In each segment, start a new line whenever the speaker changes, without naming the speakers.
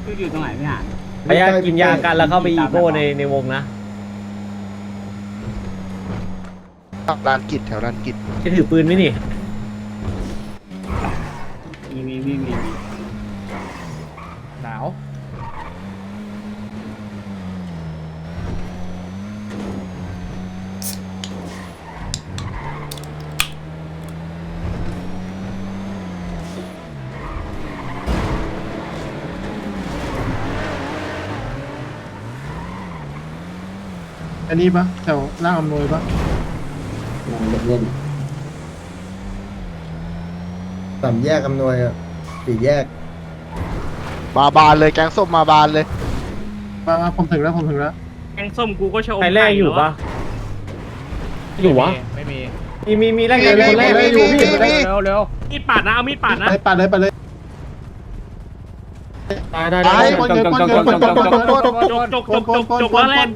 อยู่ตรงไหนพี่หาน
พยายามกินยากันแล้วเข้าไปอีโก้ในวงนะ
ลานกิจแถวลานกิจ
จะถือปืนไหมนี่
มี
หนาวอันนี้ปะแถวล่างอำนวยปะ
เล่นสามแยกอำนวยอ่ะสี่แยก
มาบานเลยแกงส้มมาบานเลย
มาผมถึงแล้ว
แกงส้มกูก็ชม
ใครแรกอยู่ปะอยู่วะ
ไม่มี
มีแรกเลยคนแรกอยู่พี่
เร็ว
มีดปาดนะเอามีดปาดนะ
ไปเลย
ได้
ตาย
จกแล้วแรก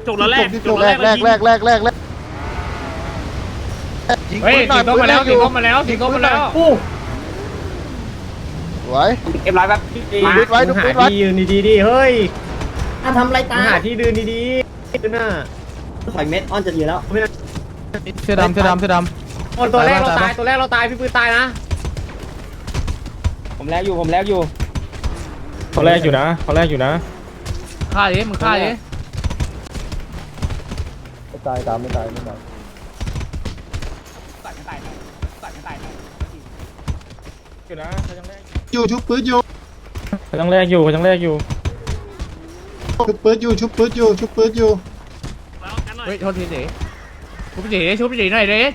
ยิง
เฮ้ย
ปืนหน่
สี
อย
ก้มมาแล้ว
ปืน
สีก้มมาแล้วสีก้มมาแล้ว
อู้
สวย
เอ็มร้อยแบบ
ดูปืนไว้ดู
หา
ปืนไว้
ที่ยืนดีๆเฮ้ย
ทำไรตา
หาที่ยืนดีๆขึ้นหน้า
ถอยเม็ดอ้อนจะอยู่แล้ว
เสื้อดำ
ตัวแรกเราตายพี่ปืนตายนะ
ผมแรกอยู่
เขาแรกอยู่นะ
ฆ่าดิมึงฆ่าดิ
ตายตามไม่ตาย
อยู่นะเขายังแรก
อยู่ชุบปืนอยู่
เขายังแรกอยู่
ชุบปืนอยู่เฮ้ยโทษทีดิชุบจีหน่อยดิ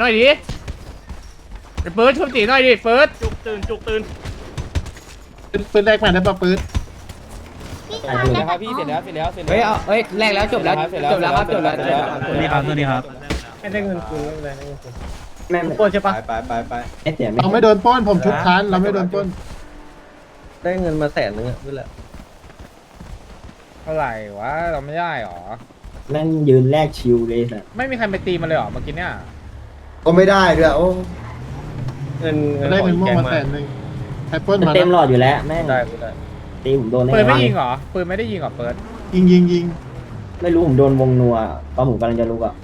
ไอ้ปืนชุบจีหน่อยดิปืน
จุกตื่น
ปืนแรกมาได้ปะปืน
ครับพี่เสร็จแล้ว
เฮ้ยเอาเฮ้ยแรกแล้วจบแล้วครับจบแล้ว
ตัวนี้ครับ
ไม่ได้เงินคืนไม่เป็นไร
แม่
โกนใช่ปะ
ไม่เสียไม่
เราไม่โดนป้อนผมชุบค้านเราไม่โดนป้น
ได้เงินมา100,000อ่ะนี่แหละ
เท่าไหร่วะเราไม่ได้หรอ
แม่งยืนแลกชิวเลยสัส
ไม่มีใครไปตีมันเลยหรอเมื่อกี้เนี่ย
ก็ไม่ได้ด้วยโอ้
เงิน
ได้เงินม่วงมา
แก
100,000ไอ้ป้นมา
เต็มหลอดอยู่แล้วแม่ง
ได้
ตีผมโดนแน่
ปืนไม่ยิงเหรอปืนไม่ได้ยิงเหรอเปิดยิง
ไม่รู้ผมโดนวงนัวตอนผมกำลังจะลุกอ่ะ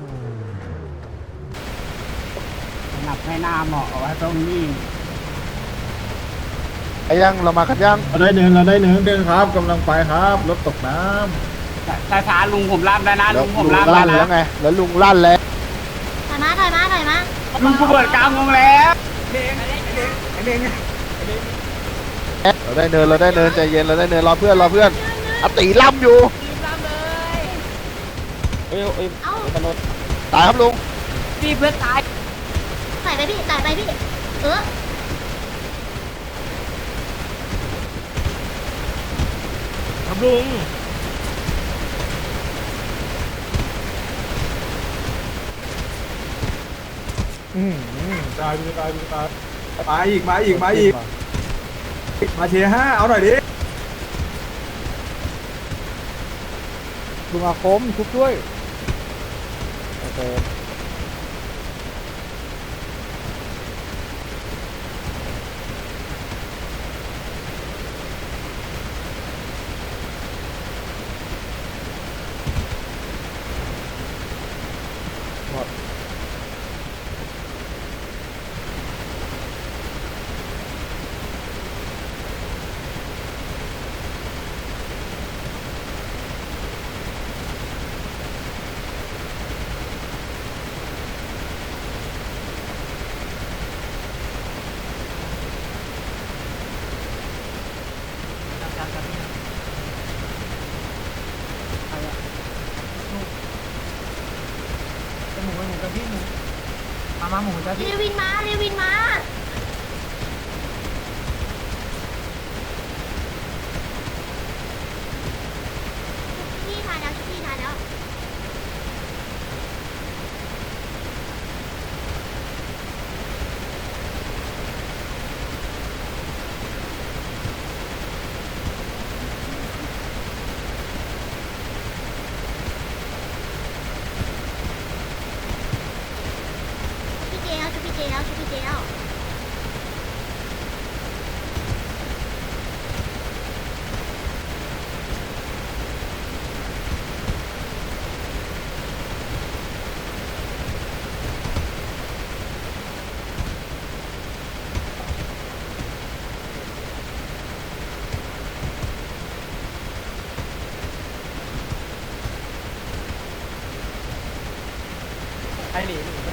หนับให้หน้าเหมาะเอาไว้ตรงนี้
ไอ้ยังเรามากันยัง
เราได้เนินครับกำลังไปครับรถตกน้
ช้าลุงผมรับแล้วนะ
แล้ว
ลุงผม
ลุง
รับ
ลั่น
แล้
แล้ว วไงแล้วลุงลั่นแล้ว
ถอยมา
ลุงกูเปิดกลางวงแล้ว
เราได้เนินใจเย็นเราได้เนินรอเพื่อนอติล่ำอยู่
เอ้า
ตายครับลุง
พี่เพื่อนตาย
ใส่ไปพี่เออ
ครับลุง
ำตาย
มาอีกมาเชียร์5เอาหน่อยดิ
ลุงอาคมทุบด้วย
เรวินมาพี่ทายแล้ว พี่เจแล้ว
ให้หนีไม่หนี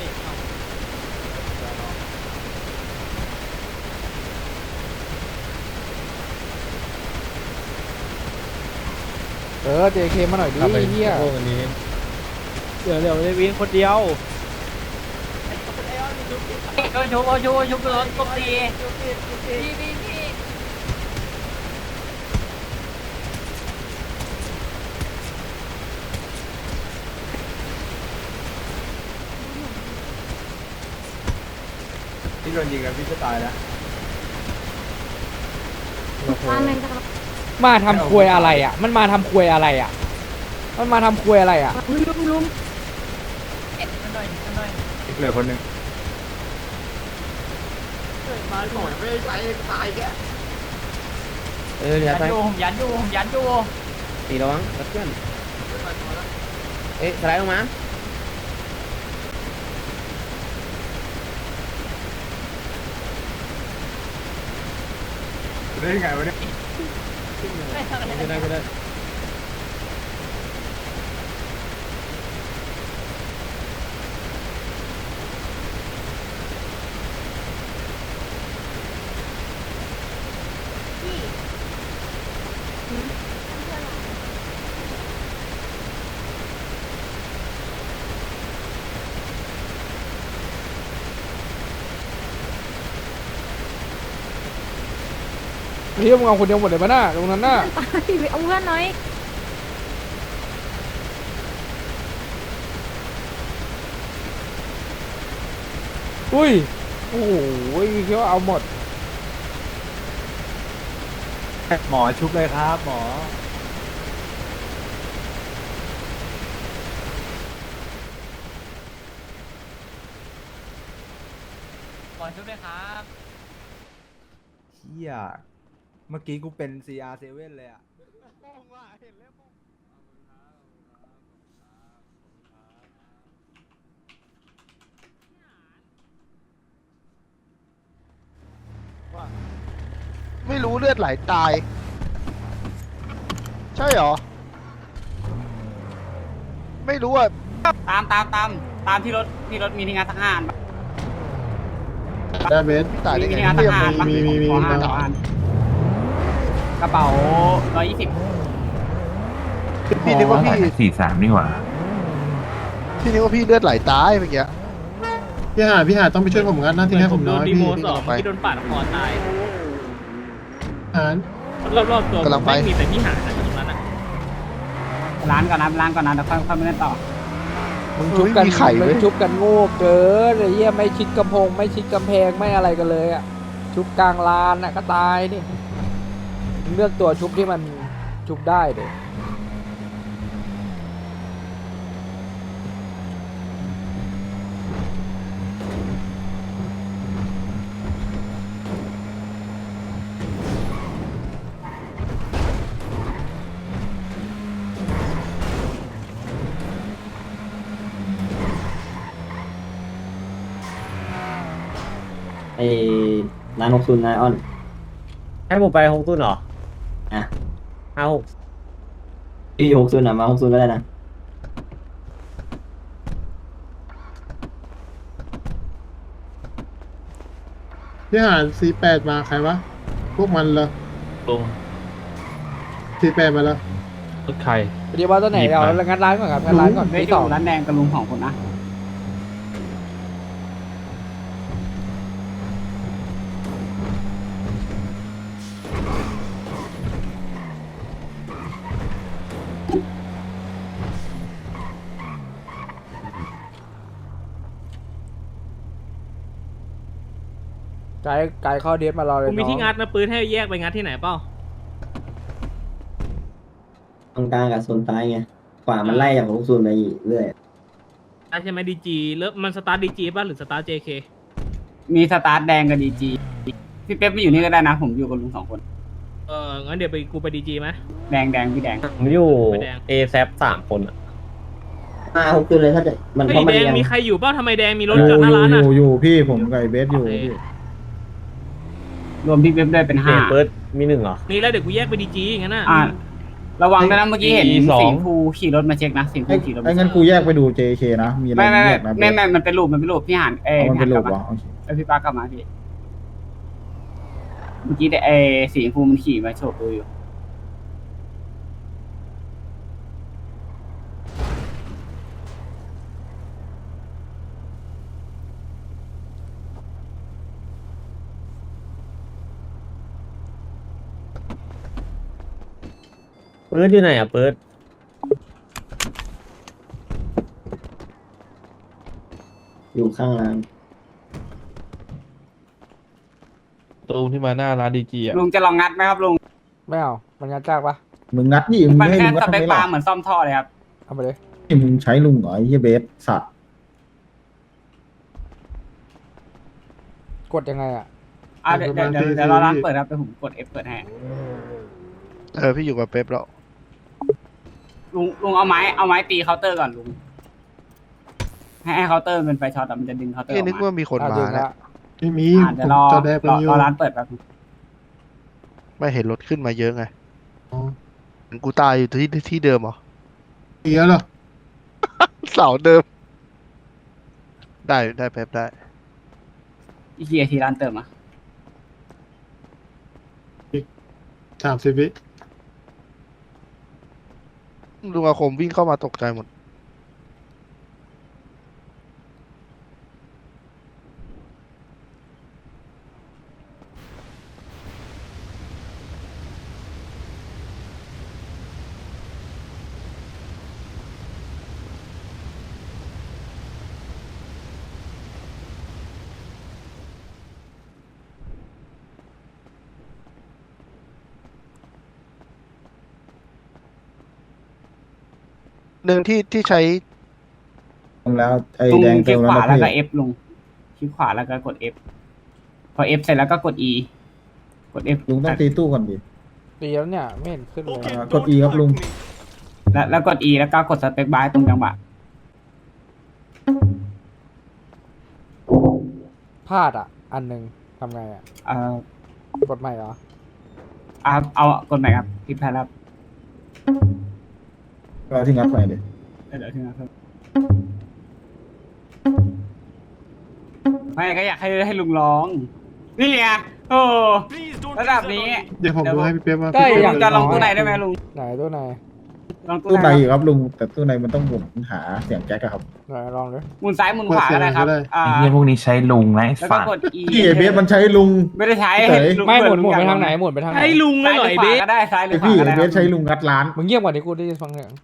JK มาหน่อยดิเฮีย
โอ้วันนี้เดี๋ยวได้วิ่งคนเดียว
ชุบรถกบตี
ที่โดนยิงกับพี่จะตายแล้ว
มาทำควยอะไรอ่ะมันมาทำควยอะไรอ่ะมันมาทำควยอะไรอ่ะ
เหลือคนหนึ่ง
ยันอยู่ตีระวังเพื่อนสไลด์ลงมา
ได้ยังไงวะเนี่ย
ไม่ได้
เฮียมึงเอาคนเดียวหมดเลยปะน่ะตรงนั้นน่ะ
ไปเอาเพื่อนหน่อย
อุ้ยโอ้โหเคี้ยวเอาหมด
หมอชุบเลยครับหมอ
ก่อนชุบเลยครับ
เฮียเมื่อกี้กูเป็น CR7 เลยอ่ะ
ไม่รู้เลือดไหลตาย ใช่เหรอ ไม่รู้อ่ะ
ตามที่รถมีที่งานทหาร
ได้เบสตายได้ไง
มีงานทหาร
มี
ขอห้าทหารกระเป๋า120
พี่นึกว่าพี่
43นี่หว่า
พี่นึกว่าพี่เลือดไหลตายเมื่อกี้
พี่หาต้องไปช่วยผมกันนะที่ให้ผมน้อยพี่
พี่โดนปาดคอตาย
หาร
รอบๆตัวไม่มีแต่พี่หาตรงนั้นนะ
ร้านก่อนนะเดี๋ยวค่อยไปเล่นต่อ
มึงชุบกัน
มีไข่เว้ย
มึงชุบกันโง่เกินไอ้เหี้ยไม่ชิดกำแพงไม่ชิดกำแพงไม่อะไรกันเลยอ่ะชุบกลางลานน่ะก็ตายนี่มึงเลือกตัวชุบที่มันชุบได้เด็
ไอ้ร้าน60นายอ้อน
ให้ผมไป6 ตุ้นเหรอ
อ่ะ
56
พี่60นะมา60ก็ได้นะ
พี่หาร48มาใครวะ พวกมันเหรอ
ลง
48มาแล้ว
รถใคร
เดี๋ยวว่าตัวไหนเอางานร้านก่อนครับงานร้านก่อน
ไม่
ที่
อ
สอง
ยู่ร้านแดงกับลุงของคนนะ
ไกด์เข้าเดทมารอเลย
กูมีที่งัดนะปืนให้แยกไปงัดที่ไหนเปล่า
ตรงกลางกับโซนซ้ายไงขวามันไล่จาก60ไปเรื่อย
ใช่ไหมดีจีแล้วมันสตาร์ทดีจีป่ะหรือสตาร์ทเจเค
มีสตาร์ทแดงกับดีจีพี่เป๊ปไม่อยู่นี่ก็ได้นะผมอยู่กับลุง2 คน
งั้นเดี๋ยวกูไปดีจีไหม
แดงพี่แดง
ผมอยู่เอแซฟ3 คนอ่ะ
มา60เลยถ้าจะมัน
ไอ้
เพราะมัน
แดง
ยัง
มีใครอยู่เปล่าทำไมแดงมีรถจอดหน้าร้านอ่ะ
อยู่พี่ผมกับไอ้เบสอยู่พี่
รวมพี่เป๊ปด้วยเป็น5
เปิดมี1เหรอนี่แล้วเดี๋ยวกูแยกไปดีจีงั้นน่ะ
ระวังด้วยนะเมื่อกี้เห็น
E2
สิงห์ภูขี่รถมาเช็คนะสิงห์ภูขี่รถ
ไอ้งั้นกูแยกไปดู JK นะมีอะไร
ไม่
แยกนะ
มันเป็นรูปพี่หัน
มันเป็น
พี่หัน
รู
กลั
ป
บ
เหร
มา
อโอเค
พี่ป้ากลับมาพี่เมื่อกี้สิงห์ภูมันขี่มาโฉบดูอยู่
เปิดอยู่ไหนอ่ะเปิด
อยู่ข้างล่าง
ตูมที่มาหน้าร้านดีจีอ่ะ
ลุงจะลองงัดไหมครับลุง
ไม่เอามันงัดจากปะ
มึงงัดนี่มึง
มัน
ให้
แค่
มึงงั
ส
ดทำ
เปค
ไม
ปลา
ล่ะ
เหมือนซ่อมท่อเลยครับ
เอาไปเลย
นี่มึงใช้ลุงเหรอไอ้เหี้ยเบสสัตว์
กดยังไงอ่ะ
เดี๋ยวเราร้านเปิดครับเดี๋ยวผมกด F เปิดให้
พี่อยู่กับเป๊ปแล้ว
ลุงเอาไม้ตีเคาน์เตอร์ก่อนลุงให้เคาน์เตอร์มันเป็นไฟช็อตแต่มันจะดึงเคาน์เตอร์อ
พี่
อก
นึก
มา
ว่ามีคน
อ่ะ
มา
ดึง
นะ
ละ
ไม่มี
เดี๋ยวรอ
จอแดกมันอยู่
รอร้านเปิดแป๊บนึง
ไม่เห็นรถขึ้นมาเยอะไง
อ๋อ
เห็นกูตายอยู่ที่เดิมเหรอ
เยอะเหรอ
เสาเดิม ได้เป๊ปได้
อีกกี่นาทีร้านเติมอ่ะ
30 วิ
ลุงอาคมวิ่งเข้ามาตกใจหมด หนึ่งที่ใช้
แล้วไอ้
ลุง
แดง
ค
เติ
ลิก
ม
ขวา
แล้ว
แล้วก็
พี่
F ลุงคลิกขวาแล้วก็กด F พอ F เสร็จแล้วก็กด E กด F
ลุงต้องตีตู้ก่อนดิ
ตีแล้วเนี่ยไม่เห็นขึ้นเลย
กด E ครับลุง
แล้วกด E แล้วก็กดสเปคบาร์ตรงจังหวะ
พลาดอ่ะ อันหนึ่งทำไงอ่ะ กดใหม่เหรอ
เอากดใหม่ครับคลิกแพนครับ
เราที่งัดไปดิ
เดี๋ยวถึงนะครับไม่ก็อยากให้ลุงร้อง นี่ไงโอ้ระดับนี้
เดี๋ยวผมดูให้พี่เป๊ปว่า
ได้
ลุ
อย่าง
งจะลองตู้ไหนได้ไหมลุง
ไหนตัวไหน
ลองตู้
ตู้
ไห
ใน
น
อยู่ครับลุงแต่ตู้ในมันต้องหมุนหาเสียงแจ็คอะครับ
ไหนลองเลย
หมุนซ้ายหมุนขวาก็ได้ครับ
เปิดเสียงก็ได้
อ่า
ไอ้เหี้ยพวกนี้ใช้ลุงนะไอ้
แล้วก็
สัตว์
กด E
พี่เบสมันใช้ลุง
ไม่ได้ใช้
เฉย
ลุง
ไม่หมุน
ลุ
ไป
อยก
ทางไหนหมุนไปทางไหน
ให้ลุงเลย
ซ้าย
ห
ห
น่
รือ อย ข
เบ
วา
ส
ก็ได้ซ้ายหรื
ไอ
อขวา
พี่
ก็ได้
เบสใช้ลุงงัดร้าน
มึงเงียบกว่านี้กูได้ฟังเสียง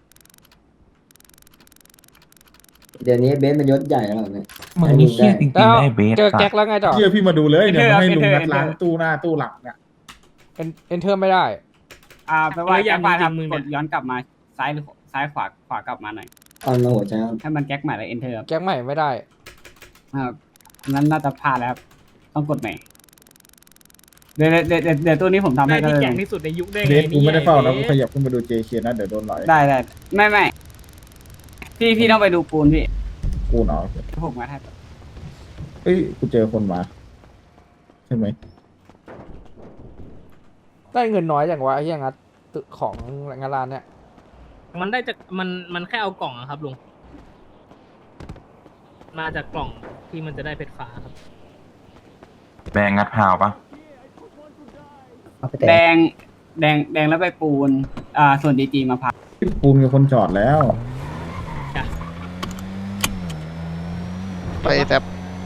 เดี๋ยวนี้เบสมันยศใหญ่แล้วเนี่ย
มึงนี่เหี้ยจริงๆนะไอ้เบส
เจอ
สัต
แจ็ค
ว์
แล้วไงต่อ
เชื่อพี่มาดูเลยเนี่ยมันให้ลุงงัดร้านตู้หน้าตู้หลังเนี่ย
เอนเทอร์ไม่ได้
แปลว่าแก๊กมาทำกดย้อนกลับมาซ้ายหรือซ้ายขวากลับมาหน่อย
ตอนมาหัวใจ
ให้มันแก๊กใหม่แล้ว enter ครับ
แจ็คใหม่ไม่ได้
นั้นน่าจะพลาดแล้วครับต้องกดใหม่เดี๋ยวตัวนี้ผมทำ
ได้
ให้ก็
ที่
ได้
แก่งที่สุดในยุคได้
เบ
ไง
สกูไม่ได้เฝ้านะกู
นี่
ขยับขึ้นมาดู JK นะเดี๋ยวโดนหลอย
ได้ไม่พี่ต้องไปดูปูนพี่
กูเนาะ
ผมมาให้
เอ้ยกูเจอคนมาใช่ไหม
ได้เงินน้อยอย่างวะไอ้เหี้ยงัดตึกของงานร้านเนี่ย
มันได้จากมันแค่เอากล่องอะครับลุงมาจากกล่องที่มันจะได้เพชรฟ้าครับ
แบงงัดพาวปะ
เอาไปแต่
แดงแล้วไปปูนส่วนดีจีมาพัก
ปูนกับคนจอดแล้ว
ไปแต่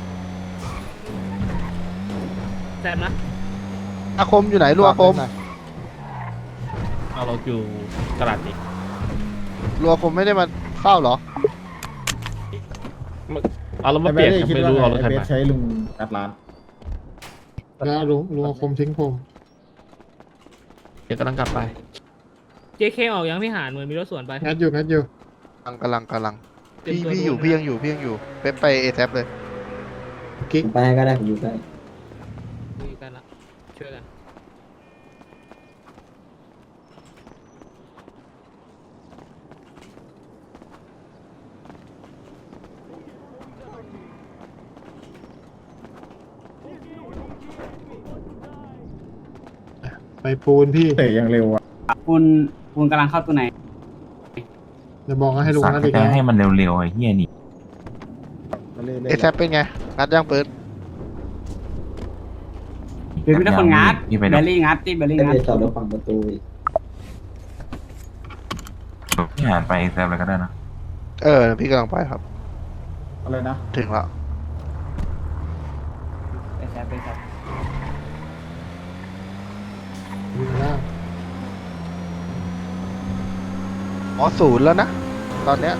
แซมนะ
อาคมอยู่ไหนลูกอาคม
เอาเราอยู่ตลาดนี้
ลูกอาคมไม่ได้มาเฝ้าเหรอ
เอาเรามา
ไอ้
เป
เบ
ลี่ยน
ส
กัน
คิด
ไม่
ว่า
รู้เอารถ
ไอ้
คัน
เบ
ไห
ส
น
ใช้ลุงงัดร้าน แล้วลุงคมทิ้งผม
เดี๋ยวกำลังกลับไป
JK ออกยังพี่หานเหมือนมีรถสวนไป
งัดอยู่
กำลัง
เตรียมตัว
พี่อยู่
ดูนะ
พี่ยังอยู่เป๊ปไปเอแทบเลย
กิ๊ก
ไปก็ได้ผมอยู่ใกล้
คุยกันละช่วยกัน
ไปปูนพี่เตะอย่างเร็วอ่ะ
ปูนปูนกำลังเข้าตัวไหน
เดี๋ยวบอกให้ลุง
สั่ง
นั่น
ไป
อีก
แต่
แล้ว
ให้มันเร็วๆไอ้เหี้ยนี่
เอแซเป็นไงงัดย่างปืน
หรือไม่ได้คนงัด
พี่ไป
เบ
ดู
ลลี่งัดที่เบลลี่
ก็
งัด
เลยจอดรถฝั่งประตูอีก
พี่หานไปแซมเลยก็ได้นะ
พี่กำลังไปครับ
อะไรนะ
ถึงแล้ว
ไปแซบ
อยู่ข้างล่าง
หมอศูนย์แล้วนะ ตอนเนี้ย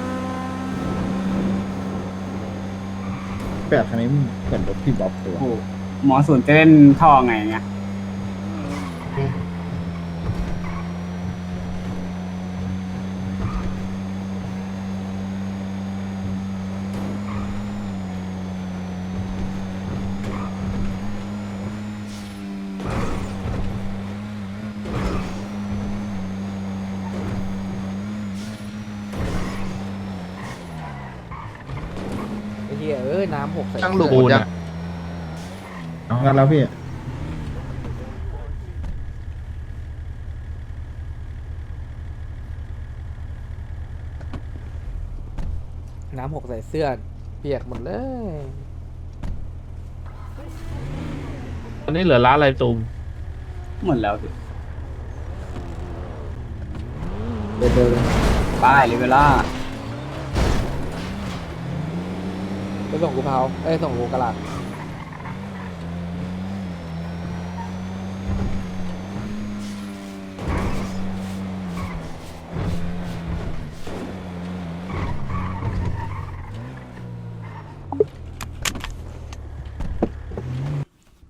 8 คันนี้เหมือนรถพี่บ๊อบตัว
โอ้โหหมอศูนย์จะเล่นท่อไงเงี้ย
ไอ้เหี้ยน้ำหกใส่
ตั้งหลุม
ปู
หมด
น
ยัง
อะ
งั้นแล้วพี่
น้ำหกใส่เสื้อเปียกหมดเลย
ตอนนี้เหลือร้านอะไรตูม
หมดแล้วสิ
เดินเลย
ป้ายเลยเวลา
ไปส่งกูเผาส่งกูกระลาด